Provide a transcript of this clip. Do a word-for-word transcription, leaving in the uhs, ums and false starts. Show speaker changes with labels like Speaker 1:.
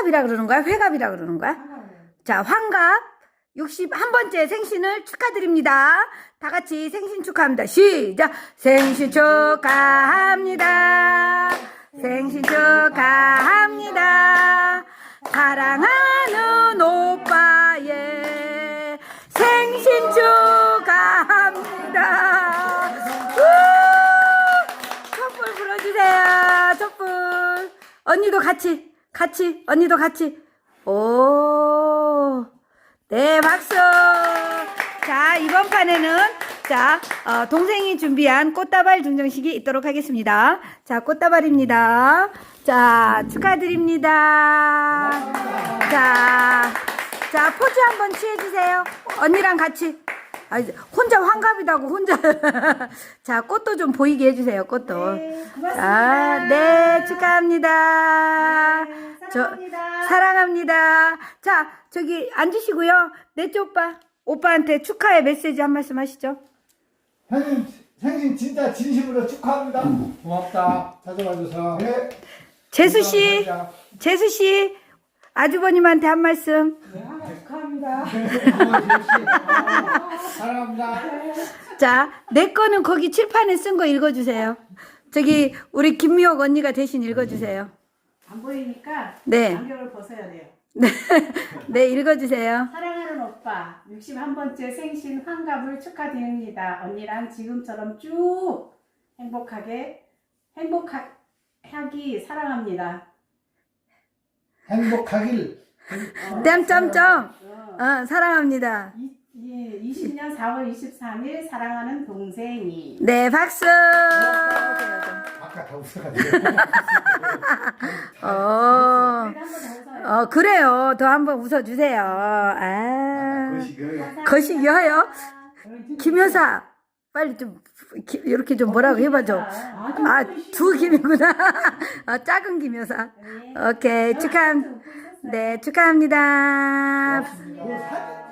Speaker 1: 환갑이라 그러는 거야? 회갑이라 그러는 거야? 자, 환갑 육십일 번째 생신을 축하드립니다. 다 같이 생신 축하합니다. 시작! 생신 축하합니다. 생신 축하합니다. 사랑하는 오빠의 생신 축하합니다. 우! 촛불 불어주세요. 촛불. 언니도 같이, 같이, 언니도 같이. 오, 네, 박수. 자, 이번 판에는 자, 어, 동생이 준비한 꽃다발 증정식이 있도록 하겠습니다. 자, 꽃다발입니다. 자, 축하드립니다. 자, 자, 포즈 한번 취해주세요. 언니랑 같이. 아, 혼자 환갑이다고, 혼자. 자, 꽃도 좀 보이게 해주세요, 꽃도.
Speaker 2: 네, 고맙습니다.
Speaker 1: 자, 네, 축하합니다.
Speaker 2: 네,
Speaker 1: 저,
Speaker 2: 사랑합니다.
Speaker 1: 사랑합니다. 자, 저기 앉으시고요. 넷째 오빠, 오빠한테 축하의 메시지 한 말씀 하시죠.
Speaker 3: 형님 생신 진짜 진심으로 축하합니다. 고맙다. 찾아와줘서. 네.
Speaker 1: 재수씨,
Speaker 3: 감사합니다.
Speaker 1: 재수씨, 아주버님한테 한 말씀.
Speaker 2: 네, 축하합니다.
Speaker 3: 사랑합니다.
Speaker 1: 자, 내 거는 거기 칠판에 쓴 거 읽어주세요. 저기, 우리 김미옥 언니가 대신 읽어주세요.
Speaker 2: 안 보이니까
Speaker 1: 네.
Speaker 2: 안경을 벗어야 돼요.
Speaker 1: 네, 네, 읽어주세요.
Speaker 2: 사랑하는 오빠, 육십일 번째 생신 환갑을 축하드립니다. 언니랑 지금처럼 쭉 행복하게 행복하기 사랑합니다.
Speaker 3: 행복하길.
Speaker 1: 땀점점,
Speaker 2: 어,
Speaker 1: 어, 사랑합니다.
Speaker 2: 이, 예, 이십 년 사월 이십삼일 사랑하는 동생이.
Speaker 1: 네, 박수.
Speaker 3: 아까 다 웃어가지고.
Speaker 1: 어,
Speaker 2: 그래도 한번 더 웃어요.
Speaker 1: 어, 그래요. 더 한번 웃어주세요. 아,
Speaker 3: 거시기요.
Speaker 1: 거시기하여? 김 여사, 빨리 좀, 기, 이렇게 좀 뭐라고 해봐줘. 아, 두 김이구나. 아, 작은 김 여사. 오케이, 축하, 네, 축하합니다.
Speaker 3: 뭐 사진